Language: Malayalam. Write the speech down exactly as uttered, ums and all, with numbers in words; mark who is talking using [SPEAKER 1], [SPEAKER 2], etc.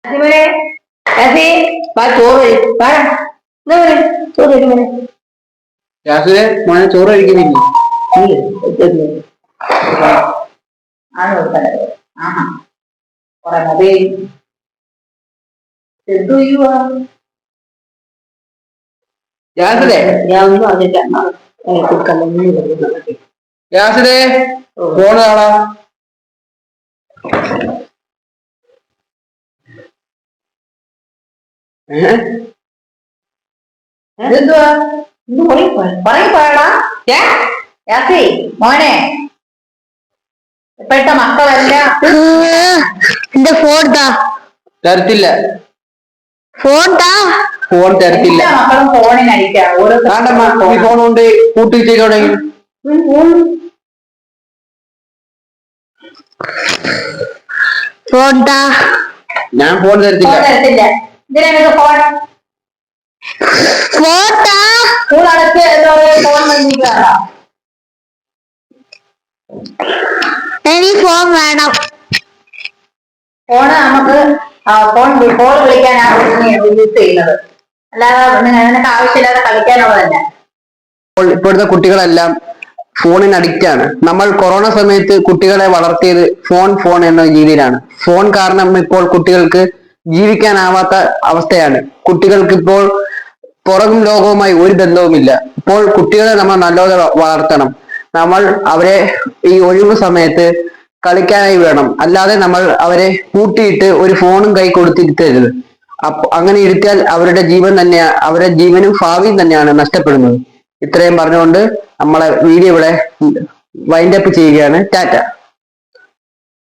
[SPEAKER 1] മോനെ ചോറ് കഴിക്കുന്നില്ല. ഞാൻ ഒന്നും അറിഞ്ഞില്ല. ഫോണ് കാണാ. എന്തുവാ പറയടാ മോനെ. ഇപ്പോഴത്തെ മക്കളെല്ലാം
[SPEAKER 2] എന്റെ ഫോൺ
[SPEAKER 1] തരത്തില്ല.
[SPEAKER 2] ഫോൺ
[SPEAKER 1] ഫോൺ തരത്തില്ല.
[SPEAKER 2] മക്കളും ഫോണിനടിക്കാം. ഓരോ
[SPEAKER 1] ഫോൺ കൊണ്ട് കൂട്ടിച്ചേക്കോടെ.
[SPEAKER 2] ഫോൺ
[SPEAKER 1] ഞാൻ ഫോൺ തരത്തില്ല.
[SPEAKER 2] തരത്തില്ല. ഇതിനൊക്കെ ഫോൺ ഫോൺ അടച്ച് ഫോൺ വന്നിട്ടാണോ? എനിക്ക് ഫോൺ വേണം. ഫോണ് നമുക്ക് ഫോൺ കോൾ വിളിക്കാനാണ് യൂസ് ചെയ്യുന്നത്, അല്ലാതെ നിനക്ക് ആവശ്യമില്ലാതെ കളിക്കാനുള്ളതല്ല.
[SPEAKER 1] ഇപ്പോഴത്തെ കുട്ടികളെല്ലാം ഫോണിന് അഡിക്റ്റ് ആണ്. നമ്മൾ കൊറോണ സമയത്ത് കുട്ടികളെ വളർത്തിയത് ഫോൺ ഫോൺ എന്ന രീതിയിലാണ്. ഫോൺ കാരണം ഇപ്പോൾ കുട്ടികൾക്ക് ജീവിക്കാനാവാത്ത അവസ്ഥയാണ്. കുട്ടികൾക്ക് ഇപ്പോൾ പുറം ലോകവുമായി ഒരു ബന്ധവുമില്ല. ഇപ്പോൾ കുട്ടികളെ നമ്മൾ നല്ലപോലെ വളർത്തണം. നമ്മൾ അവരെ ഈ ഒഴിവ് സമയത്ത് കളിക്കാനായി വേണം, അല്ലാതെ നമ്മൾ അവരെ കൂട്ടിയിട്ട് ഒരു ഫോണും കൈ കൊടുത്തിരുത്തരുത്. അപ്പൊ അങ്ങനെ ഇരുത്തിയാൽ അവരുടെ ജീവൻ തന്നെ അവരുടെ ജീവനും ഭാവിയും തന്നെയാണ് നഷ്ടപ്പെടുന്നത്. ഇത്രയും പറഞ്ഞുകൊണ്ട് നമ്മളെ വീഡിയോ ഇവിടെ വൈൻഡ് അപ്പ് ചെയ്യുകയാണ്. ടാറ്റ.